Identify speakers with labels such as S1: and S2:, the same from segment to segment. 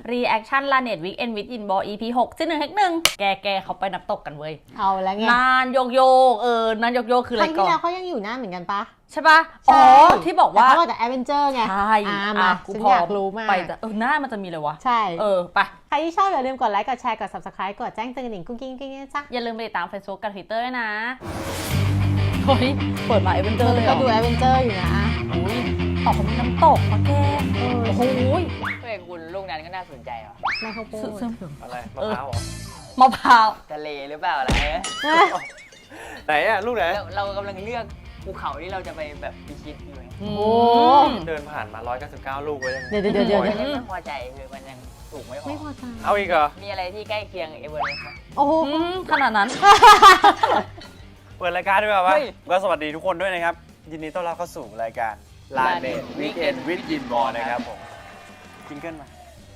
S1: Reaction Lanet Weekend with Inball EP 6ที่1 1แกเขาไปน้ำตกกันเว้ย
S2: เอาแล้วไง
S1: นานโยกนานโยกคืออะไรก่อน
S2: ครั้งที่แล้วเขายังอยู่นานเหมือนกันปะ
S1: ใช่ปะอ๋อที่บอกว่า
S2: เขาบอกแต่แอดเวนเจอร์ไง
S1: ใช่
S2: มากูอยากรู้มาก
S1: ไปแต่หน้ามันจะมีเลยวะ
S2: ใช่
S1: ไป
S2: ใครที่ชอบอย่าลืมกดไลค์กดแชร์กด Subscribe กดแจ้งเตือนกระดิ่งกุ้งกิ้งนะจ๊ะ
S1: อย่าลืมไปติดตาม Facebook กับ Twitter ด้วยนะเฮ้ยเปิดมาแอดเวนเจอร์เลย
S2: ก็ดูแอดเวนเจอร์อยู่นะ
S1: อุ้ยออกมาน้ำตกมาแกโอ้โห
S3: เฮ้ยคุณลูกนั้นก็น่าสนใจว่ะ
S2: ในข้าวโพด
S4: อะไรมะพร้าวเหรอ
S1: มะพร้าว
S3: ทะเลหรือเปล่าอะไร
S4: ไหนอะลูกไหน
S3: เรากำลังเลือกภูเขาที่เราจะไปแบบพิชิตอยู่ไง
S1: โอ้
S4: เดินผ่านมา199ลูกเลย
S2: เดี๋ยว
S3: ไม่พอใจคือมันยังสูงไม่พอ
S2: ใจ
S4: เอาอีกเหรอ
S3: มีอะไรที่ใกล้เคียงเอเวอเรสต์ไหม
S2: โอ้โห
S1: ขนาดนั้น
S4: เปิดรายการด้วยป่ะก็สวัสดีทุกคนด้วยนะครับยินดีต้อนรับเข้าสู่รายการ Lanet Weekend with Inball นะครับผมจิงเกิลมา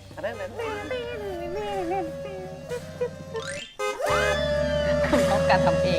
S1: ต้องการทำเอง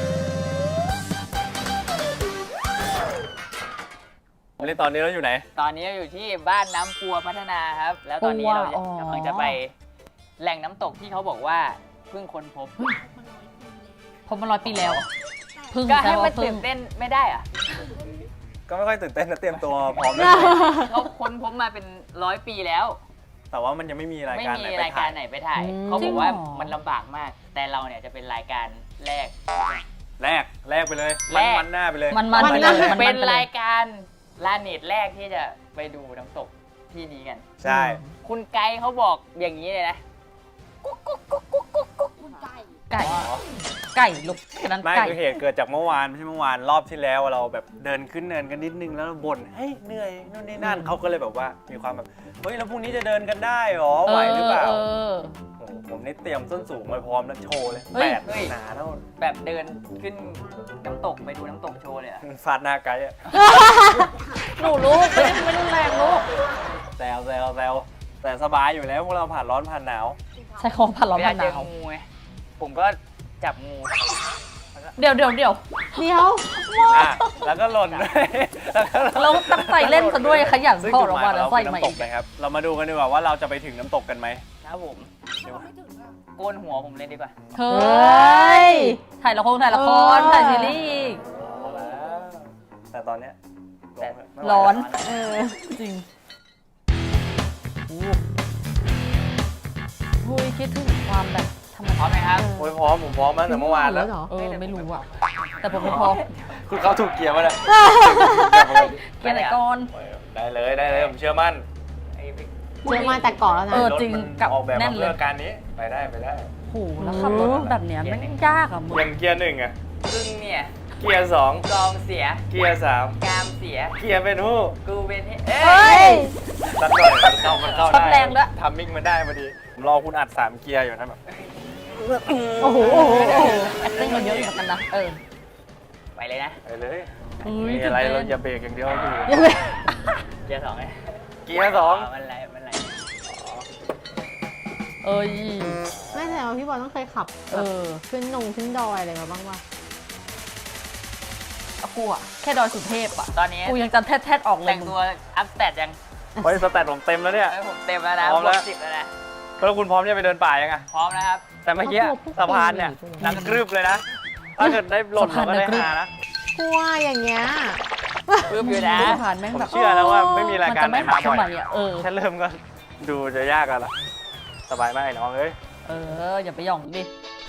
S4: ตอนนี้เราอยู่ไหน
S3: ตอนนี้เราอยู่ที่บ้านน้ำปัวพัฒนาครับแล้วตอนนี้เรากำลังจะไปแหล่งน้ำตกที่เขาบอกว่าเพิ่งค้นพบ
S1: มา100 ปีแล้ว
S3: ก็ให้มันตื่นเต้นไม่ได้อะ
S4: ก็ไม่ค่อยตื่นเต้นนะเตรียมตัวพร้อมเลย
S3: เขาค้นพบมาเป็น100 ปีแล้ว
S4: แต่ว่ามันยังไม่มีรายการไหน
S3: ไปถ่ายเขาบอกว่ามันลำบากมากแต่เราเนี่ยจะเป็นรายการแรก
S4: ไปเลยมันหน้าไปเลย
S1: มัน
S3: เป็นรายการลาเน็ตแรกที่จะไปดูน้ำตกที่นี้กัน
S4: ใช่
S3: คุณไกด์เขาบอกอย่างนี้เลยนะ
S1: ไก่ลูกนั้น
S4: ไม่คือเหตุเกิดจากเมื่อวานไม่ใช่เมื่อวานรอบที่แล้วเราแบบเดินขึ้นเนินกันนิดนึงแล้วบ่นเฮ้ยเหนื่อยนู่นนี่นั่นเขาก็เลยแบบว่ามีความแบบเฮ้ยแล้วพรุ่งนี้จะเดินกันได้หรอไหวหรือเปล่าผมนี่เตรียมส้นสูงมาพร้อมแล้วโชว์เลย8หนาเท่า
S3: แบบเดินขึ้นน้ำตกไปดูน้ำตกโชว์เลยอะ
S4: ฟาดหน้าไกด์อะ
S1: หนูลูกไม่รุนแรงลูก
S4: แซวแต่สบายอยู่แล้วพวกเราผ่านร้อนผ่านหนาว
S1: ใช่ของผ่านร้อนผ่านหนาว
S3: ผมก็จับงู
S1: เดี๋ยว
S4: แล้วก็หล่นด้วย
S1: เราตั้งใจเล่นซะด้วยขยันเข้าออกมาแล้วใส่มาอีก
S4: นะครับเรามาดูกันดีกว่าว่าเราจะไปถึงน้ำตกกันไหม
S3: ครับผมโกนหัวผมเลยดีกว่า
S1: เฮ้ยถ่ายละครถ่ายซีรีส์
S4: แต่ตอนเนี้ย
S1: ร้อนจริงอุ้ยคิดถึงความแบบ
S3: พร้อมไหมครับ
S4: พร้อมผมพร้อมตั้งแต่เมื่อวานแล้ว
S1: ไม่รู้อะแต่ผมไม่พร้อม
S4: คุณเข้าถูกเกียร์มาเลย
S1: เกียร์ไหนก่อน
S4: ได้เลยผมเชื่อมั่น
S2: แต่ก่อนแล้วนะ
S1: จริงกับ
S4: ออกแบบเรื่องการนี้ไปได้
S1: โหแล้วขับรถแบบเนี้ยมันยากอะมึง
S4: ยังเกียร์1อะ
S3: ซึ่งเนี่ย
S4: เกียร์2
S3: กองเสีย
S4: เกียร์3
S3: กามเสีย
S4: เกียร์เป็นหู้
S3: กูเป็น
S4: สักหน่อยมันเข้า
S1: ได้แรงด้วย
S4: ทำมิ่งมันได้พอดีผมรอคุณอัด3เกียร์อยู่นะแบบ
S1: โอ้โหซึ่งมันเยอะเหมือนกันนะ
S3: ไปเลยนะ
S4: ไปเลยมีอะไรเราอย่าเบรกอย่างเดียวคือ
S3: เกียร์2ไง
S4: เกียร์2
S3: มันไร
S2: ไม่แต่ว่าพี่บอลต้องเคยขับขึ้นดอยอะไรมาบ้างวะ
S1: กูอะแค่ดอยสุเทพอะ
S3: ตอนนี้
S1: กูยังจำแทดออกเลย
S3: แต่งตัวอัพสเตตยัง
S4: สเตตผมเต็มแล้วเนี่ย
S3: ผมเต็มแล้วนะ
S4: พร้อมแล้ว
S3: 10แล้วนะ
S4: แล้วคุณพร้อมจะไปเดินป่ายังไง
S3: พร้อมแล้วครับ
S4: แต่เมื่อกี้สะพานเนี่ยนักกรึบเลยนะถ้าเกิดได้หล่นก็ได้หานะ
S2: กลัวอย่างเงี้ย
S3: กรึบอยู่นะ
S4: ผมเชื่อแล้วว่าไม่มีรายการไหนมาบ่อยแค่เริ่มก็ดูจะยากกันละสบายมากน้อง
S1: อย่าไปหย่องดิ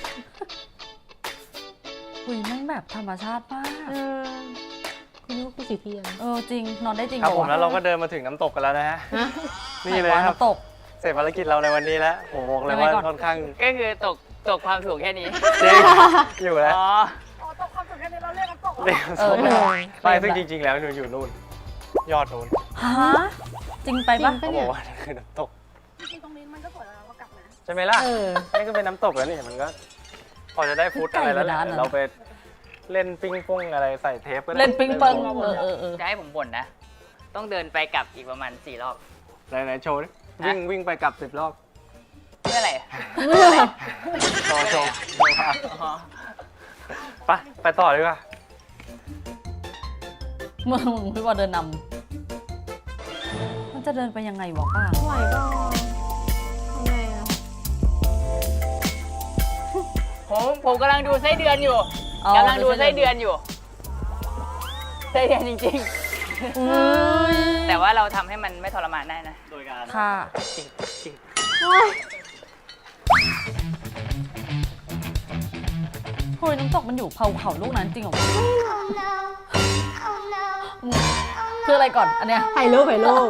S1: คุยแม่งแบบธรรมชาติมาก
S2: คุณนึกว่าคุณสีเทียน
S1: จริงนอนได้จริง
S4: ครับผมแล้วเราก็เดินมาถึงน้ำตกกันแล้วนะฮะนี่เลยครับ
S1: น้ำตก
S4: เสร็จภารกิจเราในวันนี้แล้วผมบอกเลยว่าค่อนข้าง
S3: ก็คือตกความสูงแค่นี้
S4: จริงอยู่แล้ว
S5: ตกความสูงแค่นี้เราเรียกน้ำตก
S4: ไม่ซึ่งจริงๆแล้วอยู่นู่นยอดนู่น
S1: ฮะจริงไปปะ
S4: เขาบอกว่าคือน้ำตก
S5: จริงๆตรงนี้มันก็สวยแล้วเรากลับนะ
S4: ใช่ไหมล่ะนี่ก็เป็นน้ำตกแล้วนี่มันก็พอจะได้ฟุตอะไรแล้วเราไปเล่นปิ้งป้งอะไรใส่เทปก็ได้
S1: เล่นปิ้งป้ง
S3: จะให้ผมบ่นนะต้องเดินไปกลับอีกประมาณ4 รอบ
S4: ไหนโชว์ดิวิ่งไปกลับ10 รอบ
S3: เพื่ออะไร
S4: โชว์ไปต่อดีกว่า
S1: มึงพี่ว่าเดินนำมันจะเดินไปยังไงวะป้า
S2: ไหวก็
S3: ผมกำลังดูไส้เดือนอยู่
S1: อ๋อก
S3: ำลังดูไส้เดือนอยู่ไส้เดือนจริง
S1: อุ้ย
S3: ๆ แต่ว่าเราทำให้มันไม่ทรมานได้นะ
S4: โดยการ
S1: ค่ะ
S2: โอ๊ย
S1: เฮ้ยน้ำตกมันอยู่ภูเขาลูกนั้นจริงเหรอคืออะไรก่อนอันเนี้ย
S2: ถ่ายรูป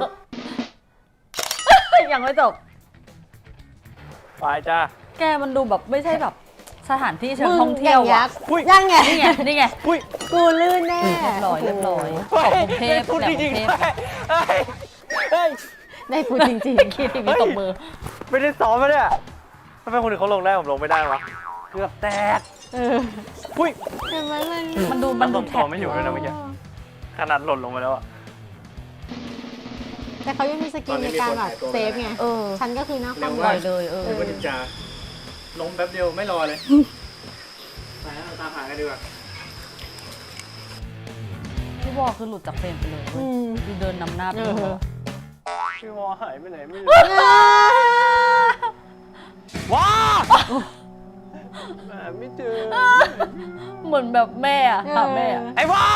S1: ยังไม่จบ
S4: ไปจ้า
S1: แกมันดูแบบไม่ใช่แบบสถานที่เชิงท่องเที่ยว
S2: ยั
S1: อ่ะ
S2: กษ์ยังไง
S1: นี่ไงนี่ไง
S4: อุ้ย
S2: กูลื่นแน่
S1: เรียบร้อยของกรุงเทพ
S4: พูด
S1: แบบ
S4: จ
S1: กรุ
S4: ริง
S1: งเท
S4: ๆ
S1: พ
S4: เฮ้ย
S2: ได้พูดจริง
S1: คิดทีวีตบมือ
S4: ไม่ได้ซ้อมมาเนี่ยทำไมคนอื่นเขาลงได้ผมลงไม่ได้วะเกือบแตก อุ้ย
S2: เห็นไหมมัน
S1: มันดู
S4: มัน
S1: แท็
S4: ต่อไม่อยู่เลยนะเมื่อกี้ ขนาดหล่นลงมาแล้วอะ
S2: แต่เขายังมีสกิลในการแบบเซฟไง
S1: เออ
S2: ฉันก็คือหน้าค
S4: เร็
S2: วาม
S4: ว
S1: ปล่อยเลย
S2: เออ
S4: มันถึงจะลงแป๊บเดียวไม่รอเลยไปแล้วเราตามหากันดีกว่า
S1: พี่วอคือหลุดจากเฟรมไปเลย
S2: อืม
S1: ดูเดินนำหน้าไป
S2: เอ
S1: เลย
S2: อ
S4: พี่วอหายไปไหนไม่รู้ว้าหาไม่เจอ
S1: เหมือนแบบแม่อะหาแม่อะ
S4: ไอ้วอ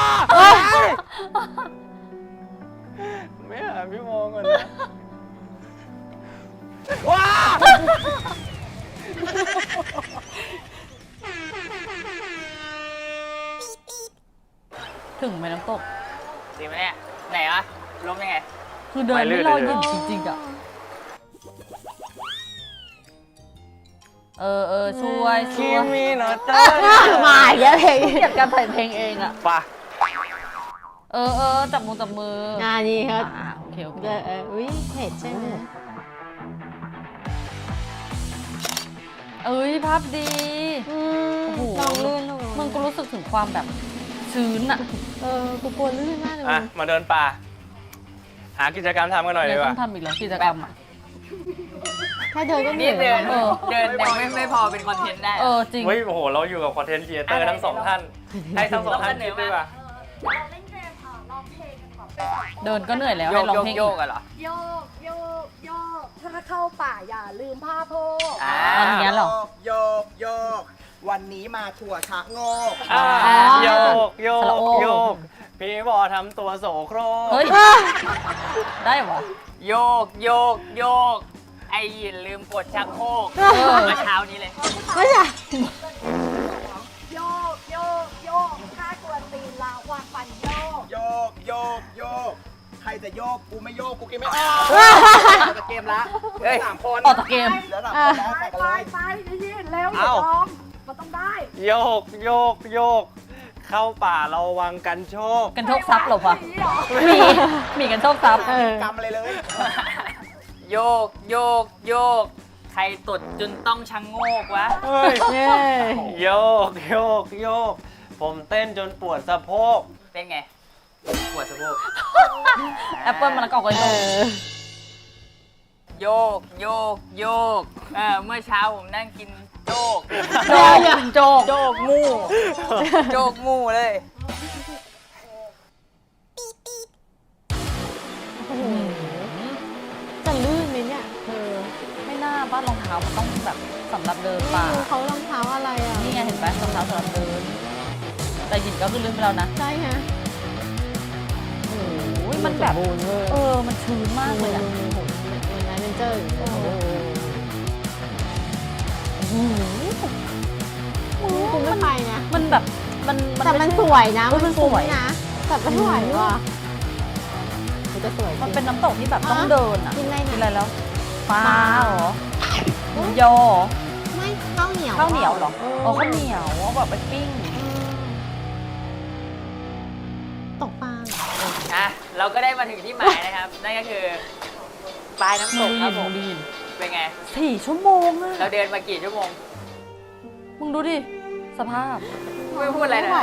S4: ไม่หาพี่วอก่อนนะว้า
S1: ถึงไหมน้ำตก
S3: จริงไหมเนี่ย ไหนวะล้มยังไง
S1: คือเดินไม่รอหยิบจริงๆอะช่วย
S4: คิมิโนโตะ
S2: มาอีกแล้วเพลง
S1: เกลียดการถ่ายเพลงเองอะ
S4: ป่ะ
S1: จับมือจับมือ
S2: นี่ครับ
S1: โอเคโอเค
S2: อุ้ยเผ็ดใช่ไหม
S1: ภาพดี โอ้โห
S2: ลองลื่นลง
S1: มึงก็รู้สึกถึงความแบบชื้นอะ
S2: กูกลัวลื่นมากเลย
S4: อ่ะ มาเดินป่า หากิจกรรมทำกันหน่อย
S1: ยั
S4: ดี
S1: ง
S4: ก
S1: ต้
S4: ว่า
S1: องทำอีกแล้วกิจกรรมอะ
S2: แค่เดินก็เหนื่
S3: นี่
S2: อย
S3: เดิน
S2: แล้ว
S3: เดินยังไม่พอเป็นคอนเทนต์ได้
S1: จริง
S4: เฮ้ย โอ้โห เราอยู่กับคอนเทนต์ครีเอเตอร์ทั้งสองท่าน ให้ทั้งสองท่านคิดด้วยป่ะ
S5: เราเล่นเกมร้องเพลงกันก่อน
S1: เดินก็เหนื่อยแล้ว
S3: โย
S1: ให้
S3: ก
S1: ร้อง
S3: โยก
S1: เพลง
S3: โย
S1: อี
S3: ก
S1: ก
S3: กันเหรอ
S5: โยกโยกโยกถ้าเข้าป่าอย่าลืมผ้าโพก
S3: อ่า
S1: อย่างเงี้ยเหรอ
S6: โยกโยก วันนี้มาถั่วชะโงก
S4: โยก โย
S1: สระ
S4: ก
S1: โอ
S4: โยก พี่บอทำตัวโสโครก
S1: เฮ้ย ได้เหรอ
S3: โยกโยกโยก ไอ้ยินลืมกดชักโครก
S1: อ
S3: เมื่อเช้านี้เลย
S2: ไม่ใช่
S5: โยกโยกโยกถ้ากวนตีนลาวางฟันโยก
S6: โยกโยกโยก ใครจะโยก กูไม่โยก กูกินไม่ออกเราจะเกมละ
S3: เฮ้ย
S6: สามคน
S1: ออกจากเกม
S6: เหลือสามคนแล้ว
S5: ไป
S6: ใส่กัน
S5: ไป
S6: เลย
S5: ไปนี่เร็วอย่ายอมมันต้องได้
S4: โยก โยก โยก เข้าป่าเราวังกันโชค
S1: กันโชคทรัพย์เหรอปะ
S5: ไม่ไหว
S1: มีกันโชคทรัพย์
S6: กำอะไรเลย
S3: โยกโยกโยก ใครตดจนต้องชังโงกวะ
S4: เฮ้ย
S2: เย้
S4: โยก โยก โยก ผมเต้นจนปวดสะโพก
S3: เป็นไง ปวดสะโพก
S1: แอปเปิลมะละกอกกันโชค
S3: โยกโยกโยก เมื่อเช้าผมนั่งกินโจก
S1: โจกโจก
S3: โจกงูโจกงูเลย
S2: จะลื่นไหมเนี่ย
S1: ไม่น่าบ้านรองเท้ามันต้องแบบสำหรับเดินป่า
S2: ไม่รู้เขารองเท้าอะไรอ่ะ
S1: นี่ไงเห็นไหมรองเท้าสำหรับเดิน แต่หยิบก็คือลืมไปแล้วนะ
S2: ใช่ฮะ
S1: โอ้ยมันแบบ
S2: บูนเวอร์
S1: มันชื้นมากเลยอ่ะ
S2: มันนั้นเป็นเจอร์อยู่กูไม่ไปนะ
S1: มันแบบมัน
S2: แต่มัน
S1: ไใช่
S2: สวยนะ
S1: มันสวย
S2: นะแต่ไม่ไหวว่ะมันจะสวยจริง
S1: มันเป็นน้ำตกที่แบบต้องเดินอ่ะ
S2: กินอะไร
S1: กิน
S2: นะ
S1: อะไรแล้วปลาเหรอหมูยอ
S2: ไม่ข้าวเหนียว
S1: ข้าวเหนียวเหรอ
S2: เ
S1: อ๋อข้าวเหนียวเอาแบบไปปิ้ง
S2: ตกปลา
S3: อ่ะ เราก็ได้มาถึงที่หมายนะครับ นั่นก็คือปลายน้ำตกครับผม
S1: ดีน
S3: เป็นไง
S1: 4 ชั่วโมงอะ
S3: เราเดินมากี่ชั่วโมง
S1: มึงดูดิ สภาพ
S3: ไม่พูดอะไร
S2: ไม่
S3: นะ
S2: ไหว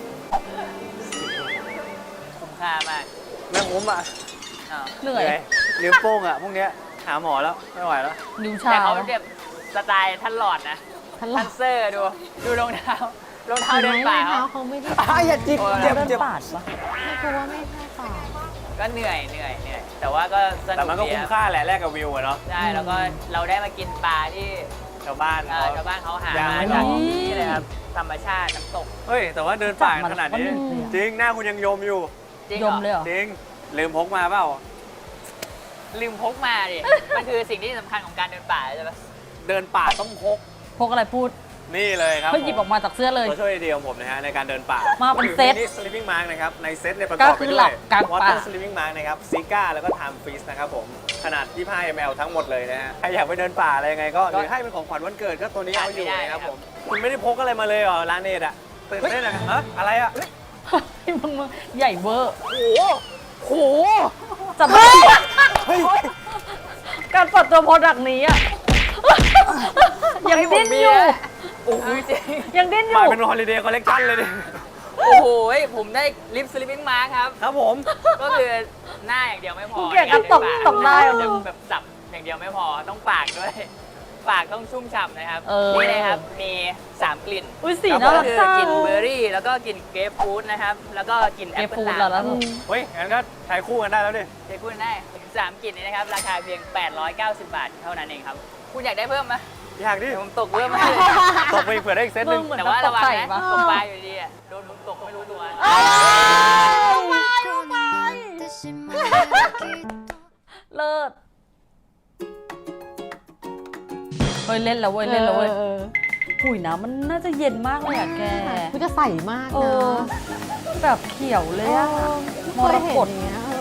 S3: คุ้มค่ามาก
S4: แม่งผมอ่ะ
S3: อ้าว
S1: เหนื่อย
S4: นิ้วโป้งอ่ะ พวกเนี้ยหาหมอแล้ว ไม่ไหวแล้ว
S1: นิ้ว
S3: แต่
S1: เช้า
S3: เขาเป็นแบบสไตล์ท่านหลอดนะ
S2: ทันหลั
S3: ท่านเซอร์ดูรองเท้ารองเท้าเดินป่า
S2: เท้า
S3: เขา
S2: เขาไม่ได้
S6: อย่าจิบ
S3: โอ้ย
S6: เจ็บ
S1: เดิน
S6: เจ็บ
S1: ป่าดปะ
S2: ไม่กลัวไม่ใช่ป่า
S3: ก็เหนื่อย แต่ว่าก็สนุก
S4: แต่มันก็
S3: ดี
S4: คุ้ม
S3: ครับ
S4: ค่าแหละแลกกับวิวอะเนาะ
S3: ใช่แล้วก็เราได้มากินปลาที่
S4: ชาวบ้าน
S3: ชาวบ้านเขาหา
S4: ย่าง
S3: มา
S4: ไม่
S3: จาก
S4: หรอ
S3: นี่เลยครับธรรมชาติน้ำตก
S4: เฮ้ย แต่ว่าเดินป่าขนาดนี้ จริง หน้าคุณยังยมอยู่
S3: จริง
S1: ยมเลยเหรอ
S4: จริง ลืมพกมาเปล่า
S3: ลืมพกมาดิ มันคือสิ่งที่สำคัญของการเดินป่าใช่ปะ
S4: เดินป่าต้องพก
S1: พกอะไรพูด
S4: นี่เลยครับ
S1: เฮ้ยหยิบออกมาจากเสื้อเลย
S4: ตัวช่วยเดียวของผมนะฮะในการเดินป่า
S1: มาเป็นเซต
S4: นี่ sleeping mask นะครับ ในเซตเนี่ยประก
S1: ก็
S4: อบ
S1: คื
S4: ไป
S1: อ
S4: ด้
S1: หลั
S4: วย
S1: บกลางป่า
S4: water sleeping mask นะครับ Sika แล้วก็ time freeze นะครับผม ขนาด 25 ml ทั้งหมดเลยนะฮะ ใครอยากไปเดินป่าอะไรยังไงก็หรือให้เป็นของขวัญวันเกิดก็ตัวนี้เอาอยู่นะครับผม คุณไม่ได้พกอะไรมาเลยเหรอร้านเนตอะตื่นเต้นอะฮะอะไรอะ
S1: ไอ้มึงใหญ่เวอร์
S3: โห
S1: จับไม่การเปิดตัวโปรดักต์นี้อ่ะ ยังดิ้นอยู่
S3: โอ้โหจริง
S1: ยังดิ้นอ
S4: มา
S1: ยู่
S4: เป็น holiday collection เลยดิ
S3: โอ้โห ผมได้ลิปสลิปปิ้งมาครับ
S4: ครับผม
S3: ก็คือหน้าอย่างเดียวไม่พอ
S1: เกลียดการตบตบได้อะมึง
S3: แบบสับอย่างเดียวไม่พอต้องปากด้วย ปากต้องชุ่มฉ่ำนะครับ
S1: เออ
S3: นี่นะครับมี 3 กลิ่น
S1: อุ้ยสี
S3: ก็
S1: น่ารัก
S3: คือ
S1: จัง
S3: กลิ่นเบอร์รี่ แล้วก็กลิ่นเกรปฟรุตนะครับ แล้วก็กลิ่นแอ
S1: เก
S3: ปเปิล
S1: ฟูด
S3: ลา
S1: เหรอแล้ว
S4: เฮ้ย งั้นก็ใช้คู่กันได้แล้วดิ
S3: ใช้พูดได้3 กลิ่นนี้นะครับ ราคาเพียง 890 บาทเท่านั้นเองครับ คุณอยากได้เพิ่มไหม
S4: อยากดิ
S3: เดี๋ยวผมตกเพิ่มให้เลย
S4: ตกไปอีกเผื่อได้อีกเซตห
S1: มึ
S4: นึ่
S1: ง
S4: ง
S1: เหมือน
S3: แต่
S1: กับ
S3: ว่า
S1: ต
S3: ระ
S1: ก
S3: วัง
S1: ไข่
S3: นะ
S1: ปะ
S3: ตกปลาอยู่ดีอะโดนมึงตกไม่รู้ตัว
S1: เลิศเฮ้ยเล่นแล้วเว้ยเล่นแล้วเว้ยหุยน้ำมันน่าจะเย็นมากเลยอะแก
S2: กูจะใสมาก
S1: เอ
S2: นะ
S1: อแบบเขียวเลยอะม
S2: เค
S1: ร
S2: ยเห็น
S1: กต
S2: อย่างเงี้ย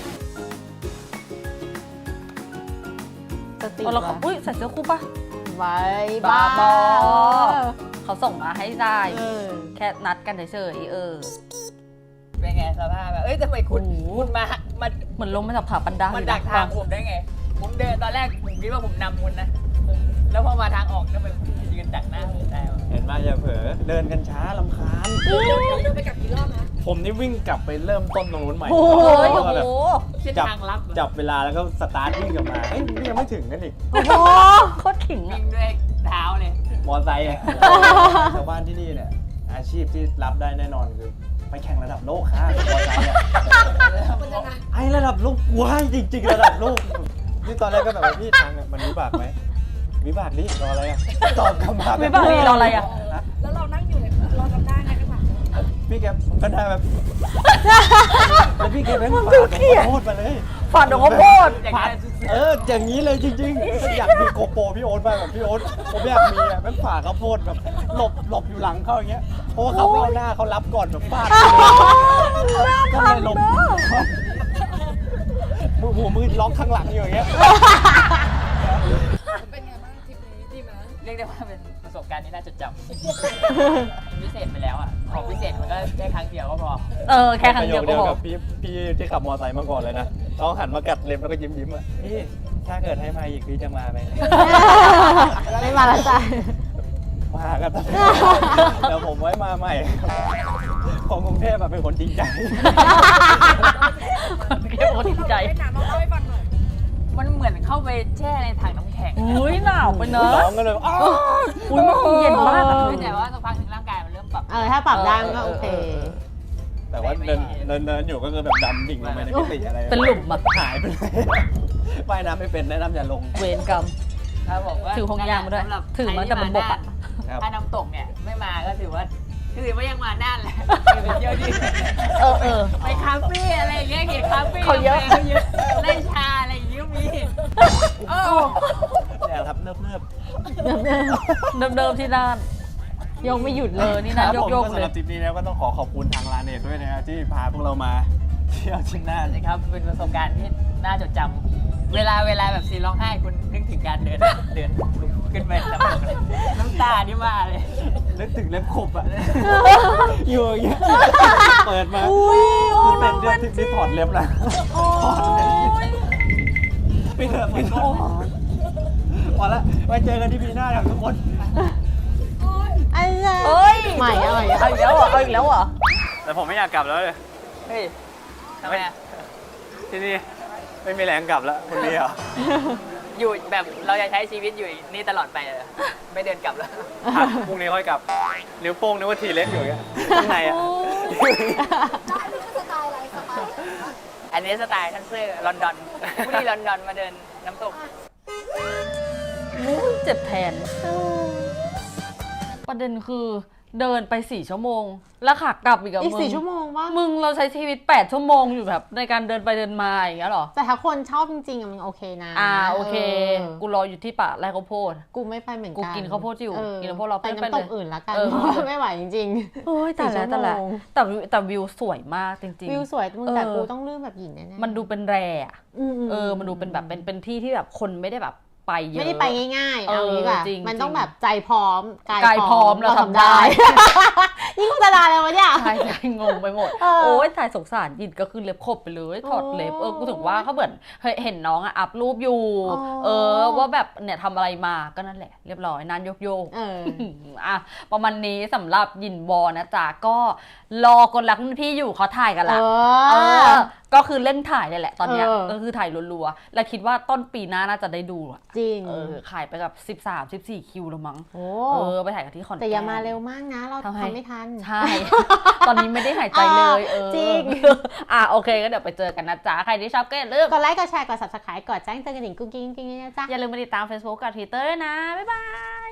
S2: จะติด
S1: เราขออุ้ยใส่เสื้อคู่ปะ
S2: ไว้
S1: บ้า
S2: บ้า
S1: บอ เขาส่งมาให้ได้
S2: เออ
S1: แค่นัดกันเฉยๆ
S3: เป็นไงสภาพแบบเอ้ยทำไมคุณมา
S1: เหมือนลงมาจากผาปันดา
S3: มันดักทางผมได้ไง ผมเดินตอนแรกผมคิดว่าผมนำคุณนะผมแล้วพอมาทางออกทำไมคุณยืนดักหน้าผมได้วะ
S4: เห็นไหมอย่าเผลอ เดินกันช้าลำคาญ
S5: เดินไปกลับกี่รอบนะ
S4: ผมนี่วิ่งกลับไปเริ่มต้นตรงนู้นใหม่
S1: โอ้ย
S4: แล้
S1: โอ้
S4: วก็แบบ
S1: โห
S3: เส้นทางลับเหรอ
S4: จับเวลาแล้วก็สตาร์ทวิ่งกลับมา เฮ้ยนี่ยังไม่ถึงกันอีก
S1: โอ้โหโคตรขิง
S3: วิ่
S1: อะ
S3: งด้วยเท้าเลย
S4: มอไซค์อะชาวบ้านที่นี่เนี่ย อาชีพที่รับได้แน่นอนคือ ไปแข่งระดับโลกค่ะมอไซค์อะ
S5: มันยังไง
S4: ไอ้ระดับโลกว้ายจริงๆ ระดับโลก นี่ตอนแรกก็แบบว่าพี่ทางเนี่ยมันวิบากไหมวิบากดิรออะไรอะตอบคำถาม
S1: ไม่บ้าดีรออะไรอะ
S5: แล้วเรานั่งอยู่ในเราจำได้ไงกันหลัง
S4: พี่แกผมก็ได้แบบแล้วพี่แกแม่งฝากผมขอโทษมาเลย
S1: ฝันของเขาโพด
S3: อย่างนั้น
S4: อย่างนี้เลยจริงๆอยากมีโกโปรพี่โอ๊ตมากแบบพี่โอ๊ตผมอยากมีอ่ะแม่งฝากข้าวโพดแบบหลบอยู่หลังเขาอย่างเงี้ยเพราะว่าเขาไม่เอาหน้าเขารับก่อนแบบฟาดก็เลยหลบมือล็อกข้างหลังอยู่อย่างเงี้ย
S5: เป็นไงบ้างทริปนี้ดีไหม
S3: เรียกได้ว่าเป็นประสบการณ์ที่น่าจดจำพิเศษไปแล้วอ่ะ ของพิเศษมันก็ได้ครั้งเดียวก็พอ
S1: แค่ครั้งเดียวก็พอ
S4: กับพี่ที่ขับมอเตอร์ไซค์มาก่อนเลยนะต้องหันมากัดเล็บแล้วก็ยิ้มอ่ะพี่ถ้าเกิดให้มาอีกพี่จะมาไหม
S2: ไม่มาแล้วจ้ะ
S4: มากันเดี๋ยวผมไว้มาใหม่ของกรุงเทพแบบเป็นคนจริงใจ
S1: แค่คนใจ
S5: เล่นน้ำเราเล่าให้ฟังหน่อย
S3: มันเหมือนเข้าไปแช่ในถังน้ำแข็ง
S1: อุ้ยหนาวไปเนอะ
S4: ร้องกันเลยอ้าว
S1: อุ้ยมันคงเย็นมากอะ
S3: แต่ว่าสักพักหนึงร่างกายมันเริ่มปรับ
S2: ถ้าปรับได้มันก็โอเค
S4: แต่ว่าเดินอยู่ก็คือแบบดำดิ่งลงไปในมิติอะไร
S1: เป็นหลุมอะ
S4: หายไปเลยว่ายน้ำไม่เป็นแนะนำอย่าลง
S1: เวรกรรม
S3: ครับผมว่า
S1: ถือห่วงยางมาด้วย
S3: สำหรับ
S1: ถือมาแต่บนบกอะ
S4: ครับ
S3: ถ้าน้ำตกเนี่ยไม่มาก็ถือว่ายังมาน่านแหละไปเที่ยวที่
S1: เออ
S3: ไปคาเฟ่อะไรอย่างเงี้ยเห็นคาเฟ่
S1: เขาเยอะ
S3: เล่นชาอะไรอย่างเงี้ยมีเออ
S4: เนี่ยครับเนิบ
S1: เดิมๆที่ด้าน
S2: ยกไม่หยุดเล
S1: นี่นะ
S4: ครับผม
S1: โยก
S4: ก็
S1: ๆ
S4: สำหรับทริปนี้แล้วก็ต้องขอบคุณทางร้านเนตด้วยนะฮะที่พาพวกเรามาเที่ยวที่น่าน
S3: นะครับเป็นประสบการณ์ที่น่าจดจำเวลาแบบซีนร้องไห้คุณนึกถึงการเดินขึ้นไปน้ำตานี่มาเลย
S4: นึกถึงเล็บขบอ่ะอยู่อย่างเงี้ยเปิดมาคือเป็นเดือนที่ถอดเล็บแล้วถอดเลยไปเถอะพอละไว้เจอกันที่ปีหน้าครับทุกคน
S2: ไอ้เหี้ย
S1: เอ้ย
S2: ใหม่อร่อย
S1: เอาอีกแล้วเหรอเอาอีกแล้วเหรอ
S4: แต่ผมไม่อยากกลับแล้วเลย
S3: เฮ้ยทำไมอ่ะ
S4: ที่นี่ไม่มีแรงกลับแล้วคุณพี่เหรอ
S3: อยู่แบบเราจะใช้ชีวิตอยู่นี่ตลอดไปเลยเหรอไม่เดินกลับแล้ว
S4: พรุ่งนี้ค่อยกลับ นิ้วโป้งนึกว่าทีเล็กอยู่อย่างเงี้ยข้างในอ่ะ
S5: ได้นี่คือสไตล์อะไรสไตล์
S3: อันนี้สไตล์ทันเซอร์ลอนดอนผู้ที่ลอนดอนมาเดินน้ำตก
S1: เจ็บแทน ประเด็นคือเดินไป4 ชั่วโมง แล้วขากลับอีกอะ
S2: อีก
S1: มึง
S2: 4 ชั่วโมงวะ
S1: มึงเราใช้ชีวิต8 ชั่วโมงอยู่แบบในการเดินไปเดินมาอย่างเงี้ยหรอ
S2: แต่ถ้าคนชอบจริงๆอะมันโอเคนะ
S1: โอเค กูรออยู่ที่ป่าไร่ข้าวโพด
S2: กูไม่ไปเหมือนกัน
S1: กูกินข้าวโพดอยู่
S2: เออ
S1: กินข้าวโพดเรา
S2: ไป
S1: ไป
S2: น้ำต
S1: เล
S2: ก
S1: ย
S2: อื่นละกัน
S1: เออ
S2: เพราะว่าไม่ไหวจริง
S1: โอ้ยแต่ละ
S2: 4
S1: แต่ละ
S2: ชั่วโมง
S1: แต่วิวสวยมากจริง
S2: วิวสวยมึงแต่
S1: เออ
S2: กูต้องลื่นแบบหญิงแน่ๆ
S1: มันดูเป็นแร่อะ
S2: ม
S1: มันดูเป็นแบบเป็นที่ที่แบบคนไม่ได้แบบไปเยอะ
S2: ไม่ได้ไปง่ายๆเอางี้ดีกว่า
S1: จริง
S2: มันต้อง
S1: จริง
S2: แบบใจพร้อม
S1: กายพร้อมเราทำได้
S2: นี่โฆษณาอะไรวะเนี่ย
S1: ใช่ใช่งงไปหมด
S2: เออ
S1: โอ้ยถ่ายสงสารยินก็คือเล็บขบไปเลยถอดเล็บกูถึงว่าเขาเหมือนเห็นน้องอะอัพรูปอยู่ ว่าแบบเนี่ยทำอะไรมาก็นั่นแหละเรียบร้อยนานโยก
S2: เออ
S1: อ่ะประมาณนี้สำหรับยินวอนะจ๊ะก็รอคนรักรุ่นพี่อยู่เขาถ่ายกันละก็คือเร่งถ่ายเลยแหละตอนเนี้ย
S2: เออ
S1: ก็คือถ่ายรัวๆแล้วคิดว่าต้นปีหน้าน่าจะได้ดูอะ
S2: จริง
S1: ขายไปกับ13-14 คิวแล้วมั้ง
S2: โอ้
S1: ไปถ่ายกันที่ขอนแก่น
S2: แต่อย่ามาเร็วมากนะ เรา
S1: ทำไม
S2: ทำไม่ทัน
S1: ใช่ ตอนนี้ไม่ได้หายใจเลย
S2: จริง
S1: โอเคก็เดี๋ยวไปเจอกันนะจ๊ะใครที่ชอบก็อย่าลืม
S2: กดไลค์กดแชร์กด subscribe กดแจ้งเตือนกระดิ่งกุ้งกิ้งนะจ๊ะ
S1: อย่าลืมมาติดตาม Facebook กับ Twitter ด้วยนะบ๊ายบาย